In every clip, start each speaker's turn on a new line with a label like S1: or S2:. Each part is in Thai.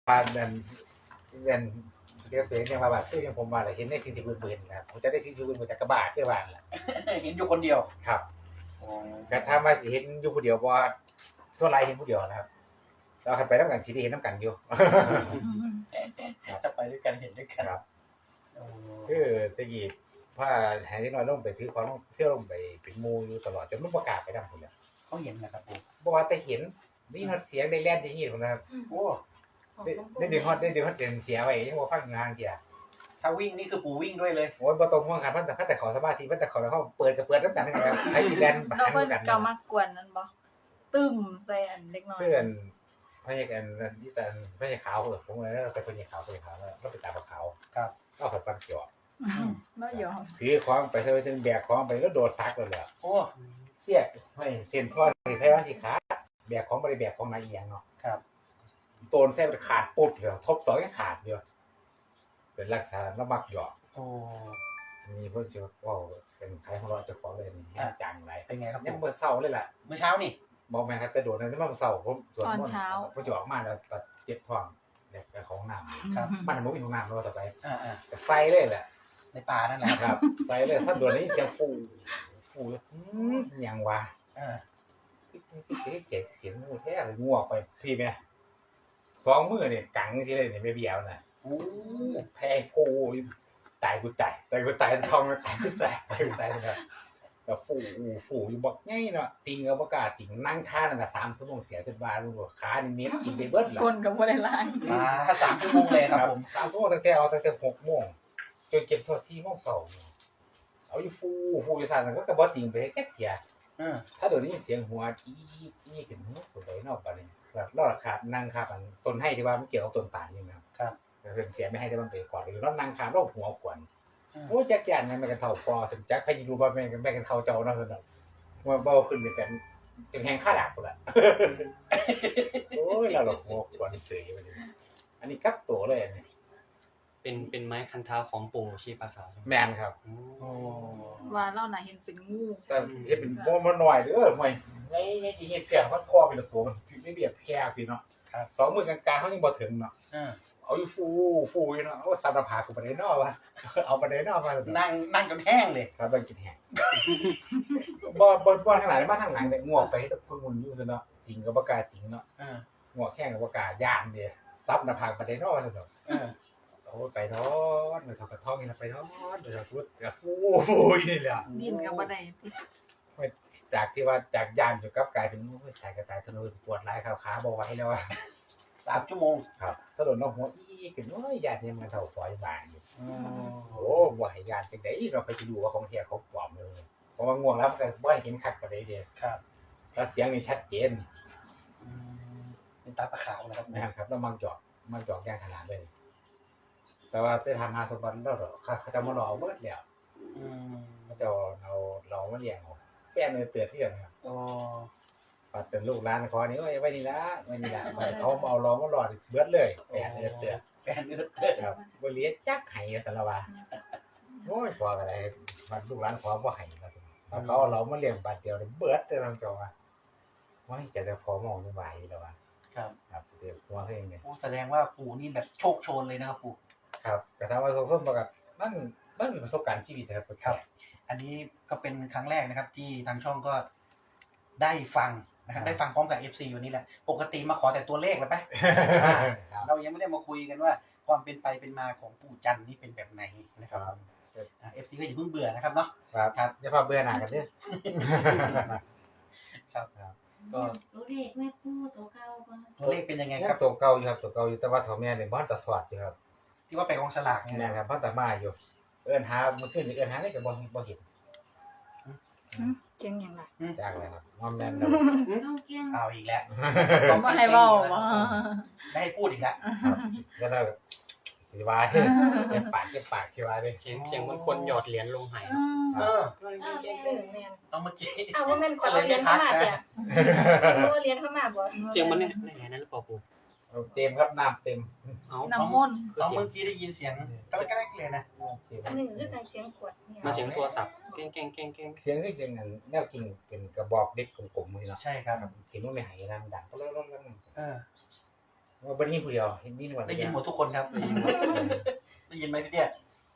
S1: ผ่านเงินเรียกเป็นยังมาแบบคือยังผมว่าเห็นในสิ่งที่บืนๆนะครับผมจะได้สิ่งที่บืนมาจากกระบะคือว่าแหละ
S2: เห็นอยู่คนเดียว
S1: ครับแต่ถ้ามาเห็นอยู่ผู้เดียวว่าส่วนไรเห็นผู้เดียวนะครับเราไปน้ำกันชีวิตเห็นน้ำกันอยู่
S2: ถ้าไปด้วยกันเห็นด้วยกัน
S1: ครับคือตะกี้ผ้าแหงที่น้อยลงไปถือของเที่ยวลงไปเป็นมูอยู่ตลอดจนมันประกาศไปดังคนเลย
S2: เขาเห็นนะครับผม
S1: บอกว่าแต่เห็นนี่ฮอตเสียงได้แล่นได้ยินคนนะครับ
S2: โอ้
S1: ได้ดึงฮอตเป็นเสียไว้ยังว่าฟังงานเดีย
S2: ถ้าวิ่งนี่คือปู่วิ่งด้วยเลย
S1: โอ้ยประตูห้องการพันแต่ขอสมาธิพันแต่ขอแล้วเขาเปิดน้ำกันนะครับให้ที่แล่นบ้าน
S3: กันก็มากวนนั่นบ่ตึ้มใส่อันเล็กน้อย
S1: เพื่อนพยากันที่แต่พยาขาวผมเลยแล้วไปพยาขาวแล้วก็ไปตาขาว
S2: ครับ
S1: ก็ขัดฟันเกี่ยว
S3: ไม่ยอม
S1: ถือของไปใส่ถึงแบกของไปแล้วโดดซักเลยแหละ
S2: โอ้
S1: เสียไม่เส้นท่อนแพ้วันสิขาแบกของบริแบกของนายเอียงเนาะ
S2: ครับ
S1: โตนแท้ขาดปุ๊บเดียวทบสองก็ขาดเดียวเป็นรักษาแล้วมักหยอก
S2: โอ้
S1: มีเพื่อนเชื่อว่าเป็นใครของเราจะขอเลยนี่จังไร
S2: เป็นไงครับ
S1: ยังเมื่อเศร้าเลยล่ะ
S2: เมื่อเช้านี่
S1: บอกแม่ครับแต่โดดนั้นเมื่อเศร้าผม
S3: ตอนเช้า
S1: ผมจะออกมาแล้วเจ็บท้องแต่ของน้ำครับมันมันมีของน้ำเราต่อไปไฟเลยแหละ
S2: ในป่านั่นแหละ
S1: ครับไฟเลยถ้าโดดนี้จะฟูอย่างวะเสียงงูแท้เลยงูออกไปพี่แม่สองมือเนี่ยกังสิเลยเนี่ยไม่เบี้ยวนะแพ้ฟูตายกูตายทองตายกูตายนะครับแบบฟูอยู่บอกง่ายเนาะติงกับประกาศติงนั่งท่านั่นน่ะ3 ชั่วโมงเสียจนบ้าลูกขานี่เน็ตกินไปเบิดละ
S3: คนกับบ่ได้ล้าง
S2: ถ้า3 ชั่วโมงเลยครับผม
S1: 3 ชั่วโมงตั้งแต่6 โมงจนเก็บโซ4 โมง2เอาอยู่ฟูอยู่ซั่นก็บ่ติงไปแค่เกียถ้าเดี๋ยวนี้เสียงหัวอีขึ้นตัวใดนอกบัดนี้แบบรอดขาดนั่งขาดต้นให้ที่ว่ามันเกี่ยวกับต้นตาลนี่นะครับเรื่องเสียไม่ให้ได้มันไปก่อนหรือเรานั่งขาดเราหัวขวนโอ้จักยันมันกันเท่าพอถึงจักพยิดูบ่แม่นกันเท่าเจ้าเนาะซั่นน่ะว่าเบาขึ้นเป็นจังแฮงค่าดาบพุ่นล่ะโอ้ยเราหัวขวนเสยบัดนี้อันนี้กับตัวเลยอันนี้
S4: เป็นไม้คันเท้าของปู่ชีปะขาว
S1: แม่นครับ
S3: ว่าเราน่ะเห็นเป็นงู
S1: แต่เฮ็ดเป็นบ่มาหน่อยเด้อห่วยไงสิเฮ็ดแพร่มันคอเป็นตัวมันไม่เบียดแพร่พี่เนาะครับ2 มื้อกลางๆเฮายังบ่ถึงเนาะเอาอยู่ฟูอยู่เนาะโอ้สัตว์ผากูบ่ได้เนาะว่าเอาบ่ได้เนาะว่า
S2: นั่งจนแห้งเลย
S1: ครับบ่กินแห้งบ่ทางไหนมาทางไหนได้งวกไปเฮ็ดเพิ่นมุนอยู่ซั่นเนาะจริงก็บ่กล้าจริงเนาะงวกแห้งก็บ่กล้าย่านเด้ซับหน้าผากบ่ได้เนาะว่าซั่นเนาะโอ้ไปนอนไปทอกระท่อมนี่นะไปนอนไปพูดกับฟูนี่แหละ
S3: ดินกับบ่ได้
S1: จากที่ว่าจากย่านจนกลับกลายเป็นตายกระตายถนนปวดหลายขาบ่ไหวแล้วอ่ะ
S2: 3 ชั่วโมง
S1: ครับถนนน้องหัวขึ้นโอ้ยญาติเนี่ยมันเท่าปล่อยบางอยู่โอ้บ่ให้ญาติจังได๋เราไปดูว่าของแท้ของปลอมเลยเพราะว่าง่วงแล้วก็บ่เห็นคักปานใดเด้
S2: ครับ
S1: แล้วเสียงนี่ชัดเจน
S2: เป็นตาปะขาวนะครับ
S1: นะครับแล้วมันจอกอย่างขนาดเลยแต่ว่าไปทำหาสมบัติแล้วเขาจะมาหลอกเบิดแล้วเขาจะเรามาเลี้ยงแป้นเตือนที่กันครับปัดเป็นลูกร้านคอนี้ไว้นี่ละเขาเอาล้อมาหลอดเบิดเลยแป้นเตือนครับบริเวณจักไห้แต่ละว่าโอ้ยพออะไรมันลูกร้านขอว่าไห้มาสิเขาเรามาเลี้ยงบาดเดียวเบิดเลยน้องจอว่าว่าจะพอมองไม่ไหวแล้วว่าครับเดี๋ยวหัวเองเนี่ย
S2: แสดงว่าปู่นี่แบบโชคโชนเลยนะครับปู่
S1: ครับแต่ถ้าว่าเขาประกาศมันมีประสบการณ์ชีวิต
S2: ครับอันนี้ก็เป็นครั้งแรกนะครับที่ทางช่องก็ได้ฟังนะครับได้ฟังพร้อมกับ FC วันนี้แหละปกติมาขอแต่ตัวเลขแล้วไปเรายังไม่ได้มาคุยกันว่าความเป็นไปเป็นมาของปู่จันนี่เป็นแบบไหนนะครับFC ก็อย่าเพิ่งเบื่อนะครับเนาะ
S1: ครับอย่าพาเบื่อหน่ายกันด้วย
S2: ครับ
S5: ก็ตัวเลขแม่ปู่ตัวเก่า
S2: ตัวเลขเป็นยังไงครับ
S1: ตัวเก่าอยู่ครับตัวเก่าอยู่แต่ว่าพ่อแม่เนี่ยบ้านตะสวัสดิ์อยู่ครับ
S2: ที่ว่าไปกองสลาก
S1: เนี่ยครับบ้านตะมาอยู่เอิ้นหามันขึ้นเอิ้นหาได้ก็บ่เห็น
S3: เก่งหยังล่ะ
S1: จักเลยครับงอมแม่น
S2: เอาอีกแล้ว
S3: ผมบ่ให้เว้าบ่
S2: ได้พูดอีกแล้ว
S1: แล้วก็สิว่าเก็บปากสิว่าเด้
S4: เสียงมันคนหยอดเหรียญลงไห
S2: เอาเมื่อกี้
S5: ว่าแม่นคนเรียนเข้ามาจ้ะเรียนเข้ามาบ่
S4: เสียงมันเนี่ยนั่นหรือเปล่าปู่
S1: เต็มครับน้ำเต็ม
S3: น้ำมนต์
S2: เมื่อกี้ได้ยินเสียงก็แกล้งเลยนะ
S5: อันนึงคือการเสียงขวดเนี่ย
S4: มาเสียงโทรศัพท์แกง
S1: เสียงคือจังนั้นแนวกิ่งเป็นกระบอกเด็กกลมๆนี่เนาะ
S2: ใช่ครับ
S1: เห็นว่าไม่หายดังก็แล้วว่าบ่ได้ยินผู้เดียวเห็นยินว่า
S2: ได้ยินหมดทุกคนครับได้ยินหมดได้ยินไหมพี่เตี้ย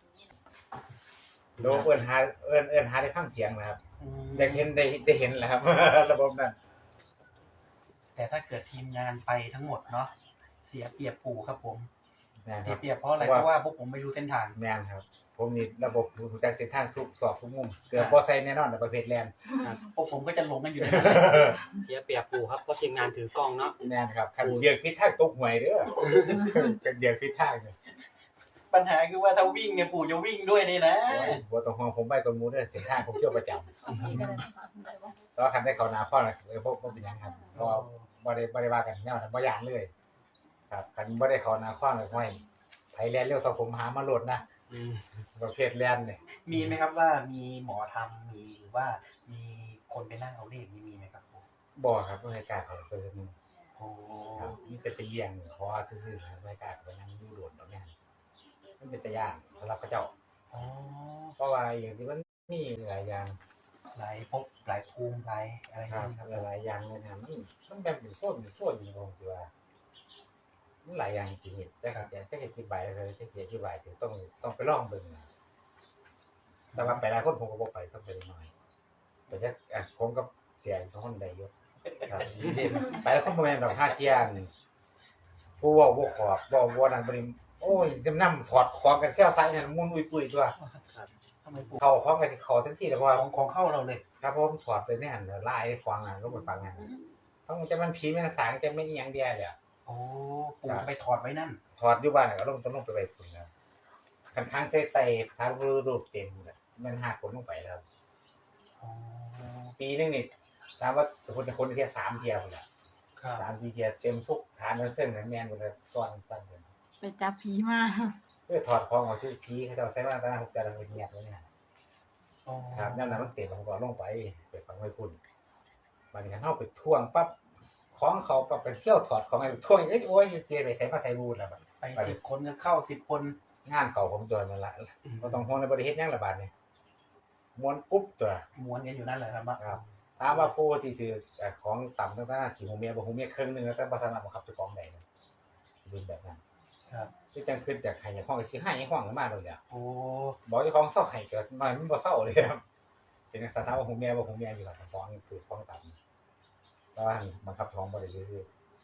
S1: โดเอิ้นหาได้ฟังเสียงนะครับได้เห็นแหละครับ ระบบนั้น
S2: แต่ถ้าเกิดทีมงานไปทั้งหมดเนาะเสียเปรียบปู่ครับผม
S1: แม่นค
S2: เสี
S1: รั
S2: ย
S1: บ
S2: เปรียบเพราะอะไรเพราะว่าพวกผมไม่รู้เส้นทาง
S1: แม่นครับ ผมนี่ระบบรู้จักเส้นทางทุกซอกทุกมุมเกือบบ่ใส่แน่นอนในประเภทแลนด์
S2: พวกผมก็จะหลงกันอยู่ในนั้น
S4: เสียเปรียบปู่ครับเพราะทีมงานถือกล้องเนาะ
S1: แม่นครับคันเดียกผิดทางตกหวยเด้อกันเดียกผิดทางเนี่ย
S2: ปัญหาคือว่าถ้าวิ่งเนี่ยปู่จะวิ่งด้วยนี่นะ
S1: บ่ต้องห่วงผมไปกับหมู่เด้อเส้นทางผมเที่ยวประจำ
S3: นี่ก็ได้ถามได้บ่
S1: แต่ว่าคันได้เข้าหน้าฟ้อนน่ะบ่เป็นหยังครับเพราะว่าบ่ได้ว่ากันแนวนั้นบ่ย่านเลย ครับคันบ่ได้เข้าหน้าฟ้อนเลยห้วยไผแล่นเร็วเท่าผมหามาโลดนะ
S4: อืม
S1: ประเภทแล่นนี่
S2: มีไหมครับว่ามีหมอทำมีหรือว่ามีคนไปนั่งเอาเลขนี่มีไหมครับปู่
S1: บ่ครับบ่ให้กล้าเข้าซื่อนึง
S2: โอ้
S1: ครับมีแต่ไปเลี้ยงขอซื่อๆครับบ่ให้กล้าเข้าไปนั่งอยู่โดดดอกแม่นมันเป็นตาย่านสำหรับเขาเจ้า
S2: อ๋อ
S1: เพราะว่าอย่างที่มันมีหลายอย่าง
S2: หลายภพหลายภูมิหลายอะไรอ
S1: ค
S2: ย่า
S1: รั
S2: ง
S1: บ
S2: นี้ครับ
S1: หลายๆอย่างเลยนะมันแบบเป็นโซนอยู่ผมสิว่ามันหลายอย่างจริงๆแต่ก็จะอธิบายเลยจะอธิบายถึงต้องไปลองเบิ่งนะแต่ว่าไปหลายคนผมก็บ่ไปต้องไปหน่อยแต่จะผมกับเสียสองคนได้อยู่ครับไปแล้วคนบ่แม่นดอก5เที่ยนผู้เว้าบ่ขอบบ่นั่นบ่นี่โอ้ยจำนำถอดของกันแซวซ้ายนั่นมุนอุ้ยปุ้ยตัว
S2: ทำไมปู่
S1: เข้าของกันสิเข้าทันทีแล้วเพราะว่า
S2: ของเข้าเราเลย
S1: ครับผมถอดไปแน่นไล่ฟังลงไปฟังนั่นต้องจะมันผีมันสางจะไม่อีหยังเดียวเลย
S2: โอ้ปู่ไปถอดไว้นั่น
S1: ถอดอยู่บ้านก็ต้องลงไปไว้ฝุ่นแล้วคันทางเซไตทางรูปเต็มมันหักผลลงไปแล้ว
S2: อ๋อ
S1: ปีนึงนี่ถามว่าคนแค่3เที่ยวพุ่นน่ะ
S2: ครับ
S1: 3-4เที่ยวเต็มทุกฐานเทิงแม่นบ่ได้ซ้อนซั่นเด้อ
S3: ไปจับผีมา
S1: เพื่อถอดของออกชื่อผีเขาเจ้าใช้มาตา6แต่ละเงียบไว้เนี่ย
S2: อ๋อ
S1: ครับนั่นน่ะมันเต็มผมก็ลงไปฟังไว้พุ่นบัดนี้เฮาไปท่วงปั๊บของเขาปั๊บไปเที่ยวถอดของไอ้ท่วงโอ้ยเสียไปใส่มาใส่บูดแล้วบัด
S2: ไป10 คนก็เข้า10 คน
S1: งานเขาผมตัวนั่นละก็ต้องห่วงในบริเฮ็ดหยังละบาดนี่ม้วนปุ๊บตัว
S2: ม้วนกันอยู่นั่นแหละครับ
S1: ครับถามว่าผู้ที่ถือของต่ำต่างๆที่หูเมียบ่หูเมียครึ่งนึงแล้วแต่บ่สามารถบังคับเจ้าของได้นะสิเป็นแบบนั้น
S2: ครับ
S1: คือจังขึ้นจากให้ห้องสิให้ห้องมาเลยอ่ะ
S2: โอ้
S1: บอกเจ้าของเศร้าให้ก็น้อยมันบ่เศร้าเลยครับเป็นสถานว่าหูเมียบ่หูเมียอยู่กับของถือของต่ำแต่ว่าบังคับท้องบ่ได้ซื่อ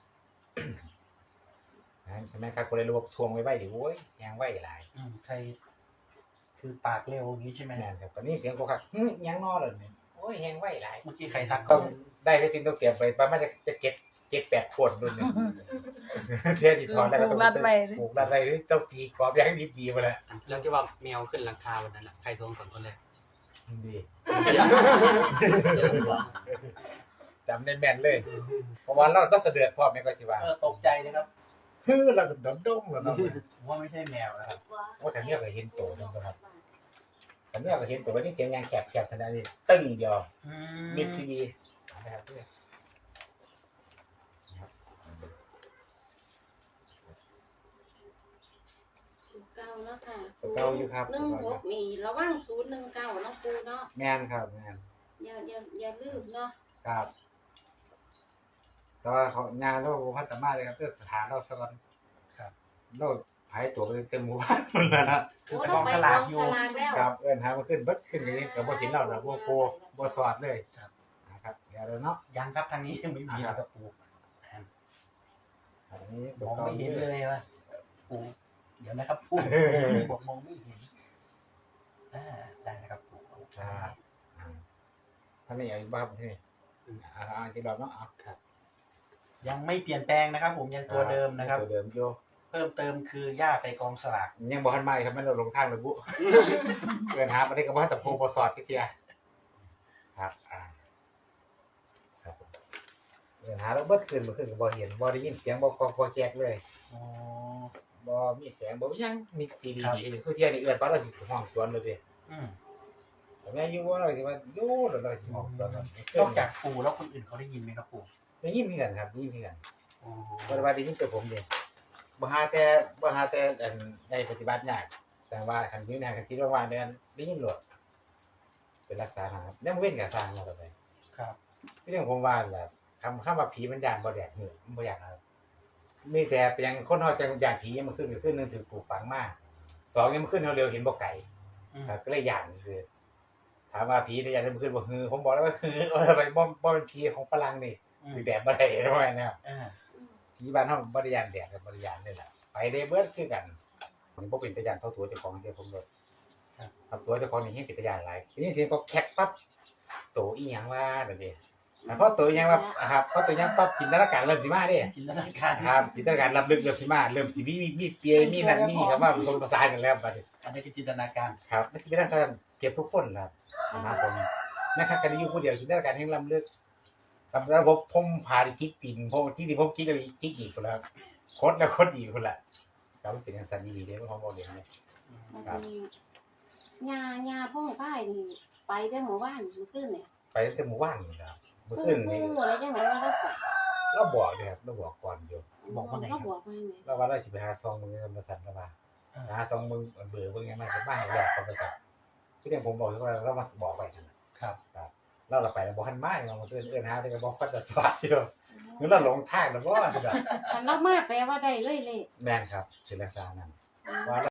S1: ๆนั่นแม่ครับคนเลยรู้ว่าทวงไว้ดิโอ้ยยังไว้หลาย
S2: ใครคือปากเร็วอย่างนี้ใช่ไหม
S1: แม่นครับตอนนี้เสียงโคคักยังนอเลยนี่โอ้ยแฮงไว้หลาย
S2: เมื่อกี้ใครทัก
S1: ต้องได้ให้สิ้นต้องเตรียมไปประมาณจะเก็บ8 ขวดรุ่นหนึงเที่ยที่ถอนแล้วก็ต้องปลูกรัดไว้เจ้าตีกรอบอย่างดีๆมาแล้ว
S4: แล้วที่ว่าแมวขึ้นหลังคาวันนั้นน่ะใครทวงก่อนคนแรก
S1: ดีจำได้แม่นเลยเพราะว่าเราต้องเสด็จพ่อแม่ก็สิว่า
S2: ตกใจนะครับ
S1: คือเราดมๆแล้วเนาะ
S2: ผมว่าไม่ใช่แมวนะครับ
S1: โอ้แต่เนี่ยก็เห็นโตนึงครับแต่เนี่ยก็เห็นโตว่านี่เสียงยางแคบๆขนาดนี้ตึ้งเดียวมิดซีบีนะครับเพื่อน
S5: เก้าเนาะค่ะ
S1: เก่าอยู่ครับ
S5: 16นี่ระวัง019เนาะปูเนาะ
S1: แม่นครับแม่น
S5: อย่าลืมเนาะ
S1: ครับแต่ว่าเขางานเราพัฒนาเลยครับเพื่อสถานเราสอน
S2: ครับ
S1: เราหายตัวไปเต็มหมู่บ้านหมดแล้วนะ
S2: คือ
S5: โอ้
S2: ก
S5: เรา
S2: อง
S5: ไป
S2: ส
S5: ก
S2: ลา
S5: อก ง
S2: อยู่
S5: สลากแล้ว
S1: ครับเอิ้นหามาขึ้นเบิดขึ้นอย่างนี้ก็บ่เห็นเราแล้วบ่โกบ่สอดเลย
S2: ครับ
S1: นะครับเดี๋ยวแล้วเนาะ
S2: ยังครับทางนี้ยังไม่มีนะครับปู่
S1: อันนี้
S2: มองไม่เห็นเลยว่าปู่เดี๋ยวนะครับปู่บอกมองไม่เห็นได้นะครับปู่โอเค
S1: ท่านนี้เอาอีกบ้างที่นี่จริงเราเนาะเอา
S2: ยังไม่เปลี่ยนแปลงนะครับ ผมยังตัวเดิมนะครับ
S1: ตัวเดิมโย
S2: เพิ่มเติมคือย่าไปกองสลาก
S1: ยังบ่ทันมาครับแม่นเราลงทางระบุเอิ้นหาบ่ได้ก็บ่ทันตะโพบ่สอดจักเที่ยครับครับผมเอิ้นหาแล้วเบิดขึ้นบ่ขึ้นก็บ่เห็นบ่ได้ยินเสียงบ่ก็แจกเลย
S2: อ๋อ
S1: บ่มีแสงบ่มีหยังมีซีดีนี่คือเที่ยนี่เอื้อนปานเราสิห้องสวนเลยเด้
S2: อืม
S1: แต่แม่อยู่ว่าเราสิว่าอยู่แล้วเราสิห้องสวน
S2: นอกจากปู่แล้วคนอื่นเขาได้ยินไหมครับปู่
S1: ได้ยินคือกันครับได้ยินคือกัน
S2: อ๋อ
S1: บ่ได้ว่าได้ยินแต่ผมเด้บ่หาแต่อันได้ปฏิบัติยากแต่ว่าคันอยู่ในคันคิดว่าเดือนได้ยินโลดเป็นรักษาหาครับยังเว้นก็สร้างมาต่อไป
S2: ครับ
S1: เรื่องผมว่าแหละคำว่าผีมันย่านบ่แดกหือมันบ่อยากครับมีแต่เพียงคนเฮาจังอย่างผีมันขึ้นก็ขึ้นนึงถือปลูกฝังมากสองยังมันขึ้นเร็วๆเห็นบ่ไก่ ครับก็เลยย่านคือถามว่าผีได้ย่านมันขึ้นบ่ฮือผมบอกแล้วว่าฮือไปบ่เป็นผีของฝรั่งนี่คือแดดบ่ได้ด้วยนะครับ ผีบ้านเฮาบ่ได้ย่านแดดครับบ่ได้ย่านเลยล่ะไปได้เบิดคือกันมันบ่เป็นตาย่านเท่าตัวเจ้าของเสียผมเลยครับตัวเจ้าของนี่เฮ็ดเป็นตาย่านหลายทีนี้สิก็แคกปั๊บโตอีหยังว่าแบบนี้พอโตอีหยังว่าครับพอโตอีหยังปั๊บจินตนาการเริ่มสิมาเด้
S2: จินตนาการ
S1: ครับจินตนาการรับลึกเริ่มสิมาเริ่มสิมีเปียมีนั่นนี่ครับว่าผสมผสานกันแล้วบัดนี้
S2: อันนี้คือจินตนาการ
S1: ครับมันสิเป็นลักษณะเก็บทุกคนครับนะครับผมนะครับกันอยู่ผู้เดียวจินตนาการแห่งล้ำลึกครับแล้วผมพาดิจิกตีนผมที่ผมคิดเลยจิกอีกคนแล้วโคตรแล้วโคตรอีกคนละครับมันเป็นอย่างสันดีเด้อของบ่เรียนเนี่ย
S6: มันมียาพ่อป้ายนี่ไปได้หมู่บ้านมันขึ้นเนี่ย
S1: ไปตั้งแต่หมู่บ้านนี่ครับเมื่อ
S6: ผู้
S1: คืนนี่
S6: อะไรจังไหนว่าเราไป
S1: เราบอกเลยครับเราบอกก่อนอยู่
S2: บอกว่าไหนครับ
S6: เราบอกว่าไง
S1: เราว่าเราสิไปหาซองมึงในบริษัทแล้วว่าหาซองมึงเบื่อมึงยังไงก็มาให้แลกกับบริษัทที่เรื่องผมบอกว่าเรามาบอกไปกัน
S2: ครับ
S1: เราไปแล้วบอกหันมาเรามาเอื้อนหาได้ก็บอกฟัดสวัสดิ์อยู่หรือเราหลงทางแล้วบ่สิครับ
S6: คันเรามาแปลว่าได้เลย
S1: แม่นครับคือลักษณะนั้นว่า